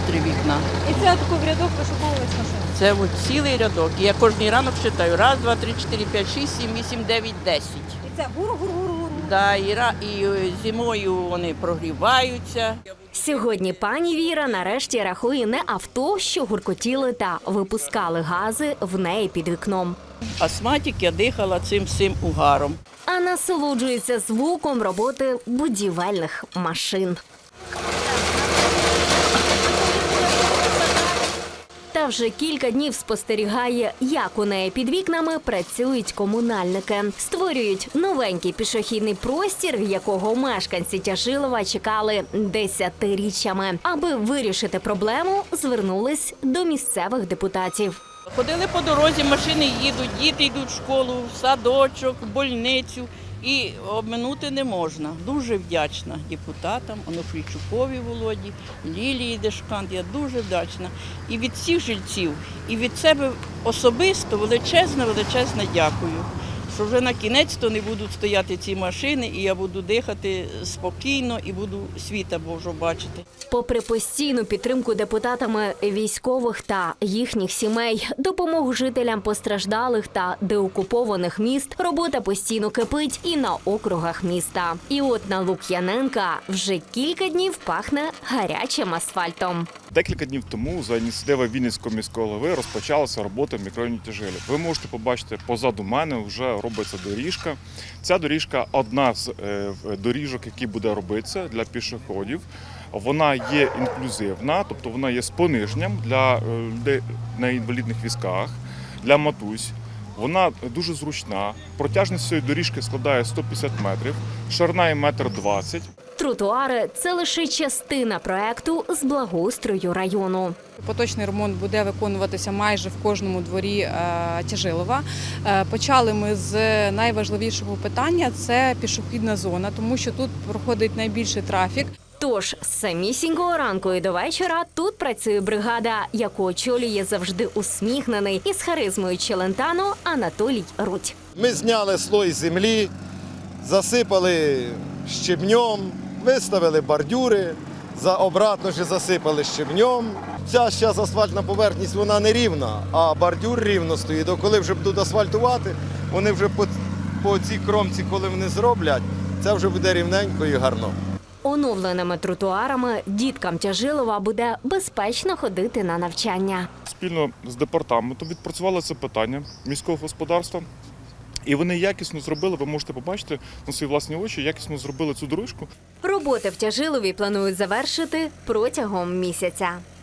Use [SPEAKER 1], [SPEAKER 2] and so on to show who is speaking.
[SPEAKER 1] 3 вікна.
[SPEAKER 2] І це таку в рядок вишуковувались машини?
[SPEAKER 1] Це от цілий рядок. І я кожен ранок читаю. 1, 2, 3, 4, 5, 6, 7, 8, 9, 10.
[SPEAKER 2] І це гур-гур-гур-гур.
[SPEAKER 1] Да, і зимою вони прогріваються.
[SPEAKER 3] Сьогодні пані Віра нарешті рахує не авто, що гуркотіли та випускали гази в неї під вікном,
[SPEAKER 1] Астматик я дихала цим всім угаром.
[SPEAKER 3] а насолоджується звуком роботи будівельних машин. Та вже кілька днів спостерігає, як у неї під вікнами працюють комунальники. Створюють новенький пішохідний простір, якого мешканці Тяжилова чекали десятиріччями. Аби вирішити проблему, звернулись до місцевих депутатів.
[SPEAKER 1] Ходили по дорозі, машини їдуть, діти йдуть в школу, в садочок, в больницю. І обминути не можна. Дуже вдячна депутатам, Онуфрійчукові Володі, Лілії Дешкант. Я дуже вдячна. І від всіх жильців, і від себе особисто величезне дякую. Що вже на кінець-то не будуть стояти ці машини, і я буду дихати спокійно, і буду світа Божого бачити.
[SPEAKER 3] Попри постійну підтримку депутатами військових та їхніх сімей, допомогу жителям постраждалих та деокупованих міст, робота постійно кипить і на округах міста. І от на Лук'яненка вже кілька днів пахне гарячим асфальтом.
[SPEAKER 4] Декілька днів тому за ініціативи Вінницького міського голови розпочалася робота в мікрорайоні Тяжилів. Ви можете побачити, позаду мене вже робиться доріжка. Ця доріжка – одна з доріжок, які буде робитися для пішоходів. Вона є інклюзивна, тобто вона є з пониженням для людей на інвалідних візках, для матусь. Вона дуже зручна. Протяжність цієї доріжки складає 150 метрів, ширина – 1,20 м.
[SPEAKER 3] Тротуари – це лише частина проекту з благоустрою району.
[SPEAKER 2] Поточний ремонт буде виконуватися майже в кожному дворі Тяжилова. Почали ми з найважливішого питання – це пішохідна зона, тому що тут проходить найбільший трафік.
[SPEAKER 3] Тож з самісінького ранку і до вечора тут працює бригада, яку очолює завжди усміхнений із харизмою Челентано Анатолій Рудь.
[SPEAKER 5] Ми зняли слой землі, засипали щебнем, виставили бордюри, обратно ж засипали щебнем. Ця зараз асфальтна поверхність, вона не рівна, а бордюр рівно стоїть. Коли вже будуть асфальтувати, вони вже по цій кромці, коли вони зроблять, це вже буде рівненько і гарно.
[SPEAKER 3] Оновленими тротуарами діткам Тяжилова буде безпечно ходити на навчання.
[SPEAKER 4] Спільно з департаментом відпрацювали це питання міського господарства. І вони якісно зробили, ви можете побачити на свої власні очі, якісно зробили цю дорожку.
[SPEAKER 3] Роботи в Тяжилові планують завершити протягом місяця.